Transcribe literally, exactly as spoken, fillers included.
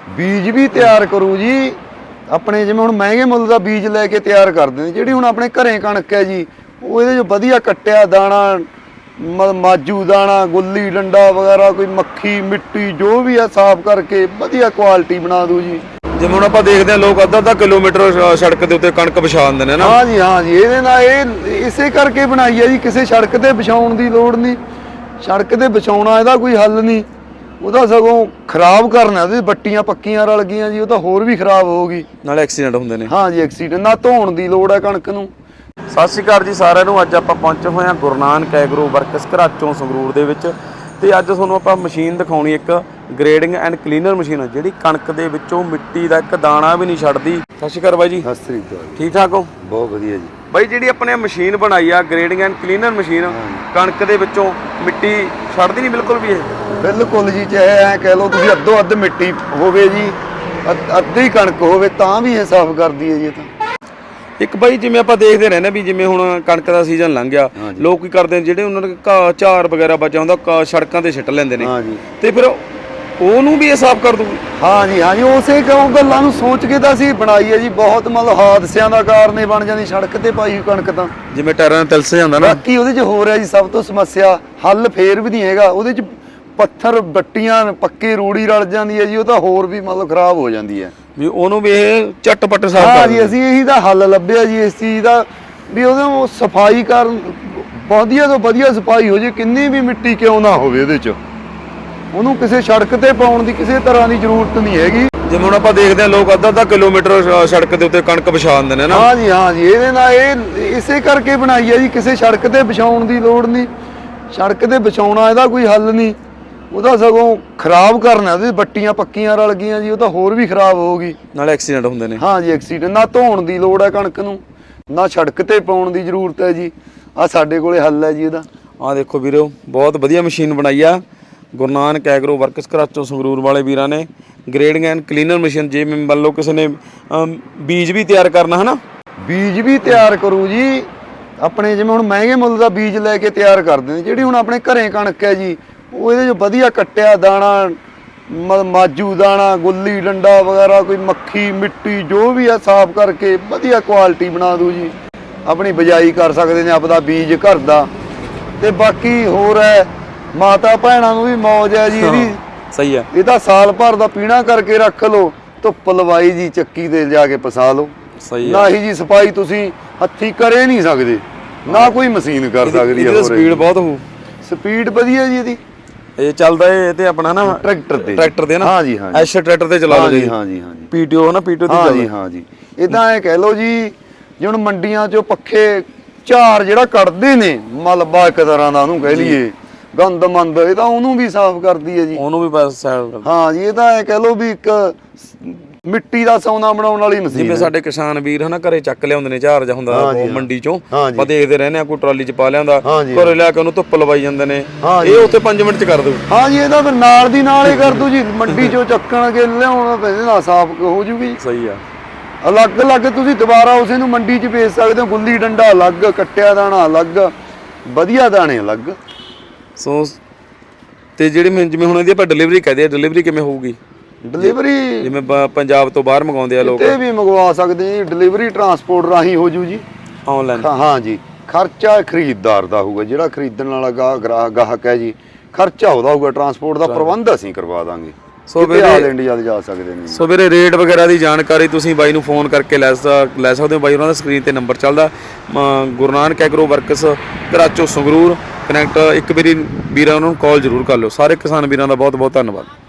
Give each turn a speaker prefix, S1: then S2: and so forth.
S1: ਬੀਜ ਵੀ ਤਿਆਰ ਕਰੂ ਜੀ। ਆਪਣੇ ਜਿਵੇਂ ਹੁਣ ਮਹਿੰਗੇ ਮੁੱਲ ਦਾ ਬੀਜ ਲੈ ਕੇ ਤਿਆਰ ਕਰਦੇ ਨੇ, ਜਿਹੜੀ ਹੁਣ ਆਪਣੇ ਘਰੇ ਕਣਕ ਹੈ ਜੀ, ਉਹ ਇਹਦੇ 'ਚ ਵਧੀਆ ਕੱਟਿਆ ਦਾਣਾ, ਮ ਮਾਜੂ ਦਾਣਾ, ਗੁੱਲੀ ਡੰਡਾ ਵਗੈਰਾ, ਕੋਈ ਮੱਖੀ ਮਿੱਟੀ ਜੋ ਵੀ ਆ ਸਾਫ਼ ਕਰਕੇ ਵਧੀਆ ਕੁਆਲਿਟੀ ਬਣਾ ਦੂ ਜੀ।
S2: ਜਿਵੇਂ ਹੁਣ ਆਪਾਂ ਦੇਖਦੇ ਹਾਂ ਲੋਕ ਅੱਧਾ ਅੱਧਾ ਕਿਲੋਮੀਟਰ ਸੜਕ ਦੇ ਉੱਤੇ ਕਣਕ ਵਿਛਾ ਦਿੰਦੇ ਨੇ ਨਾ।
S1: ਹਾਂ ਜੀ ਹਾਂ ਜੀ, ਇਹਦੇ ਨਾਲ ਇਹ ਇਸੇ ਕਰਕੇ ਬਣਾਈ ਹੈ ਜੀ, ਕਿਸੇ ਸੜਕ ਤੇ ਵਿਛਾਉਣ ਦੀ ਲੋੜ ਨਹੀਂ। ਸੜਕ ਤੇ ਵਿਛਾਉਣਾ ਇਹਦਾ ਕੋਈ ਹੱਲ ਨਹੀਂ, ਉਹਦਾ ਸਗੋਂ ਖਰਾਬ ਕਰਨਾ। ਉਹਦੇ ਬੱਟੀਆਂ ਪੱਕੀਆਂ ਰਲ ਗਈਆਂ ਜੀ, ਉਹ ਤਾਂ ਹੋਰ ਵੀ ਖਰਾਬ ਹੋਊਗੀ,
S2: ਨਾਲੇ ਐਕਸੀਡੈਂਟ ਹੁੰਦੇ ਨੇ।
S1: ਹਾਂ ਜੀ, ਐਕਸੀਡੈਂਟ ਨਾ ਧੋਣ ਦੀ ਲੋੜ ਹੈ ਕਣਕ ਨੂੰ।
S2: ਸਤਿ ਸ਼੍ਰੀ ਅਕਾਲ ਜੀ ਸਾਰਿਆਂ ਨੂੰ। ਅੱਜ ਆਪਾਂ ਪਹੁੰਚੇ ਹੋਏ ਹਾਂ ਗੁਰੂ ਨਾਨਕ ਐਗਰੋ ਵਰਕਸ ਘਰਾਚੋਂ ਸੰਗਰੂਰ ਦੇ ਵਿੱਚ, ਤੇ ਅੱਜ ਤੁਹਾਨੂੰ ਆਪਾਂ ਮਸ਼ੀਨ ਦਿਖਾਉਣੀ, ਇੱਕ ਗ੍ਰੇਡਿੰਗ ਐਂਡ ਕਲੀਨਰ ਮਸ਼ੀਨ ਹੈ ਜਿਹੜੀ ਕਣਕ ਦੇ ਵਿੱਚੋਂ ਮਿੱਟੀ ਦਾ ਇੱਕ ਦਾਣਾ ਵੀ ਨਹੀਂ ਛੱਡਦੀ। ਸਤਿ ਸ਼੍ਰੀ ਅਕਾਲ ਬਾਈ ਜੀ।
S1: ਸਤਿ ਸ੍ਰੀ ਅਕਾਲ।
S2: ਠੀਕ ਠਾਕ ਹੋ?
S1: ਬਹੁਤ ਵਧੀਆ ਜੀ।
S2: ਬਾਈ ਜਿਹੜੀ ਆਪਣੇ ਮਸ਼ੀਨ ਬਣਾਈ ਆ ਗ੍ਰੇਡਿੰਗ ਐਂਡ ਕਲੀਨਰ ਮਸ਼ੀਨ, ਕਣਕ ਦੇ ਵਿੱਚੋਂ ਮਿੱਟੀ ਛੱਡਦੀ ਨਹੀਂ ਬਿਲਕੁਲ ਵੀ? ਇਹ
S1: ਬਿਲਕੁਲ ਜੀ, ਚਾਹੇ ਐ ਕਹਿ ਲਓ ਤੁਸੀਂ ਅੱਧੋ ਅੱਧ ਮਿੱਟੀ ਹੋਵੇ ਜੀ, ਅੱਧੀ ਕਣਕ ਹੋਵੇ ਤਾਂ ਵੀ ਇਹ ਸਾਫ਼ ਕਰਦੀ ਹੈ ਜੀ। ਇਹ ਤਾਂ
S2: ਇੱਕ ਬਾਈ ਜਿਵੇਂ ਆਪਾਂ ਦੇਖਦੇ ਰਹਿੰਦੇ ਵੀ ਜਿਵੇਂ ਹੁਣ ਕਣਕ ਦਾ ਸੀਜ਼ਨ ਲੰਘ ਗਿਆ, ਲੋਕ ਕੀ ਕਰਦੇ ਨੇ, ਜਿਹੜੇ ਉਹਨਾਂ ਦੇ ਘਾਹ ਝਾਰ ਵਗੈਰਾ ਬਚਿਆ ਹੁੰਦਾ ਸੜਕਾਂ ਤੇ ਸਿੱਟ ਲੈਂਦੇ ਨੇ, ਤੇ ਫਿਰ ਉਹਨੂੰ ਵੀ ਇਹ ਸਾਫ਼ ਕਰ ਦੂਗੀ?
S1: ਹਾਂ ਜੀ ਹਾਂ ਜੀ, ਉਸੇ ਕਿਉਂ ਗੱਲਾਂ ਨੂੰ ਸੋਚ ਕੇ ਤਾਂ ਅਸੀਂ ਬਣਾਈ ਹੈ ਜੀ। ਬਹੁਤ ਮਤਲਬ ਹਾਦਸਿਆਂ ਦਾ ਕਾਰਨ ਬਣ ਜਾਂਦੀ ਸੜਕ ਤੇ ਪਾਈ ਕਣਕ ਤਾਂ,
S2: ਜਿਵੇਂ ਟਾਇਰਾਂ ਨਾਲ ਤਿਲਸ ਜਾਂਦਾ ਨਾ।
S1: ਬਾਕੀ ਉਹਦੇ 'ਚ ਹੋ ਰਿਹਾ ਜੀ ਸਭ ਤੋਂ ਸਮੱਸਿਆ, ਹੱਲ ਫੇਰ ਵੀ ਨਹੀਂ ਹੈਗਾ ਉਹਦੇ 'ਚ। ਪੱਥਰ ਬੱਟੀਆਂ ਪੱਕੇ ਰੂੜੀ ਰਲ ਜਾਂਦੀ ਹੈ ਜੀ, ਉਹ ਤਾਂ ਹੋਰ ਵੀ ਮਤਲਬ ਖਰਾਬ ਹੋ ਜਾਂਦੀ ਹੈ
S2: ਵੀ ਉਹਨੂੰ ਵੀ ਇਹ ਝਟਪਟ ਸਾਫ਼ ਕਰ।
S1: ਹਾਂ ਜੀ, ਅਸੀਂ ਇਹੀ ਦਾ ਹੱਲ ਲੱਭਿਆ ਜੀ ਇਸ ਚੀਜ਼ ਦਾ, ਵੀ ਉਹਦੇ ਸਫਾਈ ਕਰਨ, ਵਧੀਆ ਤੋਂ ਵਧੀਆ ਸਫਾਈ ਹੋ ਜੇ, ਕਿੰਨੀ ਵੀ ਮਿੱਟੀ ਕਿਉਂ ਨਾ ਹੋਵੇ ਇਹਦੇ 'ਚ, ਉਹਨੂੰ ਕਿਸੇ ਸੜਕ ਤੇ ਪਾਉਣ ਦੀ ਕਿਸੇ ਤਰ੍ਹਾਂ ਦੀ ਜ਼ਰੂਰਤ ਨਹੀਂ ਹੈਗੀ।
S2: ਜਿਵੇਂ ਹੁਣ ਆਪਾਂ ਦੇਖਦੇ ਹਾਂ ਲੋਕ ਅੱਧਾ ਅੱਧਾ ਕਿਲੋਮੀਟਰ ਸੜਕ ਦੇ ਉੱਤੇ ਕਣਕ ਵਿਛਾ ਦਿੰਦੇ ਨੇ ਨਾ।
S1: ਹਾਂ ਜੀ ਹਾਂ ਜੀ, ਇਹਦੇ ਨਾਲ ਇਹ ਇਸੇ ਕਰਕੇ ਬਣਾਈ ਹੈ ਜੀ, ਕਿਸੇ ਸੜਕ ਤੇ ਵਿਛਾਉਣ ਦੀ ਲੋੜ ਨਹੀਂ। ਸੜਕ ਤੇ ਵਿਛਾਉਣਾ ਇਹਦਾ ਕੋਈ ਹੱਲ ਨਹੀਂ, ਉਹਦਾ ਸਗੋਂ ਖਰਾਬ ਕਰਨਾ। ਉਹਦੇ ਬੱਟੀਆਂ ਪੱਕੀਆਂ ਰਲ ਗਈਆਂ ਜੀ, ਉਹ ਤਾਂ ਹੋਰ ਵੀ ਖਰਾਬ ਹੋਊਗੀ,
S2: ਨਾਲੇ ਐਕਸੀਡੈਂਟ ਹੁੰਦੇ ਨੇ।
S1: ਹਾਂ ਜੀ, ਐਕਸੀਡੈਂਟ। ਨਾ ਧੋਣ ਦੀ ਲੋੜ ਹੈ ਕਣਕ ਨੂੰ, ਨਾ ਸੜਕ ਤੇ ਪਾਉਣ ਦੀ ਜ਼ਰੂਰਤ ਹੈ ਜੀ। ਆਹ ਸਾਡੇ ਕੋਲੇ ਹੱਲ ਹੈ ਜੀ ਇਹਦਾ।
S2: ਆਹ ਦੇਖੋ ਵੀਰੋ, ਬਹੁਤ ਵਧੀਆ ਮਸ਼ੀਨ ਬਣਾਈ ਆ ਗੁਰੂ ਨਾਨਕ ਐਗਰੋ ਵਰਕਸ ਘਰਾਚੋਂ ਸੰਗਰੂਰ ਵਾਲੇ ਵੀਰਾਂ ਨੇ, ਗ੍ਰੇਡਿੰਗ ਐਂਡ ਕਲੀਨਰ ਮਸ਼ੀਨ। ਜੇ ਮੰਨ ਲਓ ਕਿਸੇ ਨੇ ਬੀਜ ਵੀ ਤਿਆਰ ਕਰਨਾ ਹੈ ਨਾ,
S1: ਬੀਜ ਵੀ ਤਿਆਰ ਕਰੂ ਜੀ। ਆਪਣੇ ਜਿਵੇਂ ਹੁਣ ਮਹਿੰਗੇ ਮੁੱਲ ਦਾ ਬੀਜ ਲੈ ਕੇ ਤਿਆਰ ਕਰਦੇ ਨੇ, ਜਿਹੜੀ ਹੁਣ ਆਪਣੇ ਘਰੇ ਕਣਕ ਹੈ ਜੀ, ਉਹ ਇਹਦੇ 'ਚ ਵਧੀਆ ਕੱਟਿਆ ਦਾਣਾ, ਮ ਮਾਜੂ ਦਾਣਾ, ਗੁੱਲੀ ਡੰਡਾ ਵਗੈਰਾ, ਕੋਈ ਮੱਖੀ ਮਿੱਟੀ ਜੋ ਵੀ ਆ ਸਾਫ਼ ਕਰਕੇ ਵਧੀਆ ਕੁਆਲਿਟੀ ਬਣਾ ਦੂ ਜੀ। ਆਪਣੀ ਬਿਜਾਈ ਕਰ ਸਕਦੇ ਨੇ ਆਪਦਾ ਬੀਜ ਘਰ ਦਾ। ਤੇ ਬਾਕੀ ਹੋਰ ਹੈ, ਮਾਤਾ ਭੈਣਾਂ ਨੂੰ ਵੀ ਮੌਜ ਹੈ ਜੀ ਇਹਦੀ।
S2: ਸਹੀ ਹੈ।
S1: ਇਹ ਤਾਂ ਸਾਲ ਭਰ ਦਾ ਪੀਣਾ ਕਰਕੇ ਰੱਖ ਲਓ, ਧੁੱਪ ਲਵਾਈ ਜੀ, ਚੱਕੀ ਤੇ ਜਾ ਕੇ ਪਸਾ ਲਓ।
S2: ਸਹੀ
S1: ਨਾ ਹੀ ਜੀ ਸਫਾਈ ਤੁਸੀਂ ਹੱਥੀਂ ਕਰੇ ਨਹੀਂ ਸਕਦੇ, ਨਾ ਕੋਈ ਮਸ਼ੀਨ ਕਰ ਸਕਦੀ ਹੈ।
S2: ਇਹਦੀ ਸਪੀਡ ਬਹੁਤ ਹੋਊ।
S1: ਸਪੀਡ ਵਧੀਆ ਜੀ ਇਹਦੀ।
S2: ਇਹ ਚੱਲਦਾ ਇਹ ਤੇ ਆਪਣਾ ਨਾ
S1: ਟਰੈਕਟਰ ਤੇ,
S2: ਟਰੈਕਟਰ ਤੇ ਨਾ।
S1: ਹਾਂ ਜੀ ਹਾਂ,
S2: ਐਸ਼ ਟਰੈਕਟਰ ਤੇ ਚਲਾ ਲਓ ਜੀ।
S1: ਹਾਂ ਜੀ ਹਾਂ ਜੀ,
S2: ਪੀਟੀਓ ਨਾ, ਪੀਟੀਓ ਤੇ
S1: ਹਾਂ
S2: ਚੱਲਦਾ।
S1: ਜੀ ਹਾਂ ਜੀ। ਇਦਾਂ ਇਹ ਕਹਿ ਲਓ ਜੀ, ਜੇ ਹੁਣ ਮੰਡੀਆਂ 'ਚੋਂ ਪੱਖੇ ਝਾਰ ਜਿਹੜਾ ਕੱਢਦੇ ਨੇ, ਮਲਬਾ ਇੱਕ ਤਰ੍ਹਾਂ ਦਾ ਉਹਨੂੰ ਕਹਿ ਲਈਏ, ਗੰਦ ਮੰਦ, ਇਹ ਤਾਂ ਉਹਨੂੰ ਵੀ ਸਾਫ਼ ਕਰਦੀ ਹੈ ਜੀ।
S2: ਉਹਨੂੰ ਵੀ ਬਸ ਸਾਫ਼ ਕਰਦੀ। ਹਾਂ
S1: ਜੀ, ਇਹ ਤਾਂ ਇਹ ਕਹਿ ਲਓ ਵੀ ਇੱਕ ਮਿੱਟੀ ਦਾ ਸੌਨਾ ਬਣਾਉਣ ਵਾਲੀ ਮਸ਼ੀਨ।
S2: ਜਿਵੇਂ ਸਾਡੇ ਕਿਸਾਨ ਵੀਰ ਹਨਾ ਘਰੇ ਚੱਕ ਲਿਆਉਂਦੇ ਨੇ ਝਾਰ ਜਾਂ ਹੁੰਦਾ ਮੰਡੀ ਚੋਂ, ਆਪਾਂ ਦੇਖਦੇ ਰਹਿੰਦੇ ਆ, ਕੋਈ ਟਰਾਲੀ 'ਚ ਪਾ ਲਿਆਉਂਦਾ, ਘਰੇ ਲਿਆ ਕੇ ਉਹਨੂੰ ਧੁੱਪ ਲਵਾਈ ਜਾਂਦੇ ਨੇ। ਇਹ ਉੱਥੇ ਪੰਜ ਮਿੰਟ 'ਚ ਕਰ ਦੂ।
S1: ਹਾਂ ਜੀ, ਇਹਦਾ ਫਿਰ ਨਾਲ ਦੀ ਨਾਲ ਹੀ ਕਰ ਦੂ ਜੀ। ਮੰਡੀ 'ਚੋਂ ਚੱਕਣ ਕੇ ਲਿਆਉਣਾ ਪੈਂਦਾ, ਨਾਲ ਸਾਫ਼ ਹੋ ਜੂਗੀ।
S2: ਸਹੀ ਆ।
S1: ਅਲੱਗ ਅਲੱਗ ਤੁਸੀਂ ਦੁਬਾਰਾ ਉਸੇ ਨੂੰ ਮੰਡੀ 'ਚ ਵੇਚ ਸਕਦੇ ਹੋ। ਗੁੱਲੀ ਡੰਡਾ ਅਲੱਗ, ਕੱਟਿਆ ਦਾਣਾ ਅਲੱਗ, ਵਧੀਆ ਦਾਣੇ ਅਲੱਗ।
S2: ਸੋ ਤੇ ਜਿਹੜੀ ਜਿਵੇਂ ਹੁਣ ਇਹਦੀ ਆਪਾਂ ਡਿਲੀਵਰੀ ਕਹਦੇ ਆ, ਡਿਲੀਵਰੀ ਕਿਵੇਂ ਹੋਊਗੀ?
S1: ਡਿਲੀਵਰੀ
S2: ਜਿਵੇਂ ਪੰਜਾਬ ਤੋਂ ਬਾਹਰ ਮੰਗਾਉਂਦੇ ਆ ਲੋਕ,
S1: ਕਿਤੇ ਵੀ ਮੰਗਵਾ ਸਕਦੇ ਜੀ। ਡਿਲੀਵਰੀ ਟਰਾਂਸਪੋਰਟ ਰਾਹੀਂ ਹੋ ਜੂ ਜੀ,
S2: ਆਨਲਾਈਨ। ਹਾਂ ਜੀ,
S1: ਖਰਚਾ ਖਰੀਦਦਾਰ ਦਾ ਹੋਊਗਾ, ਜਿਹੜਾ ਖਰੀਦਣ ਵਾਲਾ ਗਾਹਕ ਗਾਹਕ ਹੈ ਜੀ, ਖਰਚਾ ਉਹਦਾ ਹੋਊਗਾ। ਟਰਾਂਸਪੋਰਟ ਦਾ ਪ੍ਰਬੰਧ ਅਸੀਂ ਕਰਵਾ ਦਾਂਗੇ। ਸੋ ਵੀਰੇ ਆਲ ਇੰਡੀਆ ਦੇ ਜਾ ਸਕਦੇ ਨੇ।
S2: ਸੋ ਵੀਰੇ ਰੇਟ ਵਗੈਰਾ ਦੀ ਜਾਣਕਾਰੀ ਤੁਸੀਂ ਬਾਈ ਨੂੰ ਫੋਨ ਕਰਕੇ ਲੈ ਲੈ ਸਕਦੇ ਹੋ। ਬਾਈ ਉਹਨਾਂ ਦਾ ਸਕਰੀਨ ਤੇ ਨੰਬਰ ਚੱਲਦਾ। Guru Nanak agro works Gharachon Sangrur connect. ਇੱਕ ਵਾਰੀ ਵੀਰਾਂ ਨੂੰ ਕਾਲ ਜ਼ਰੂਰ ਕਰ ਲਿਓ। ਸਾਰੇ ਕਿਸਾਨ ਵੀਰਾਂ ਦਾ ਬਹੁਤ ਬਹੁਤ ਧੰਨਵਾਦ।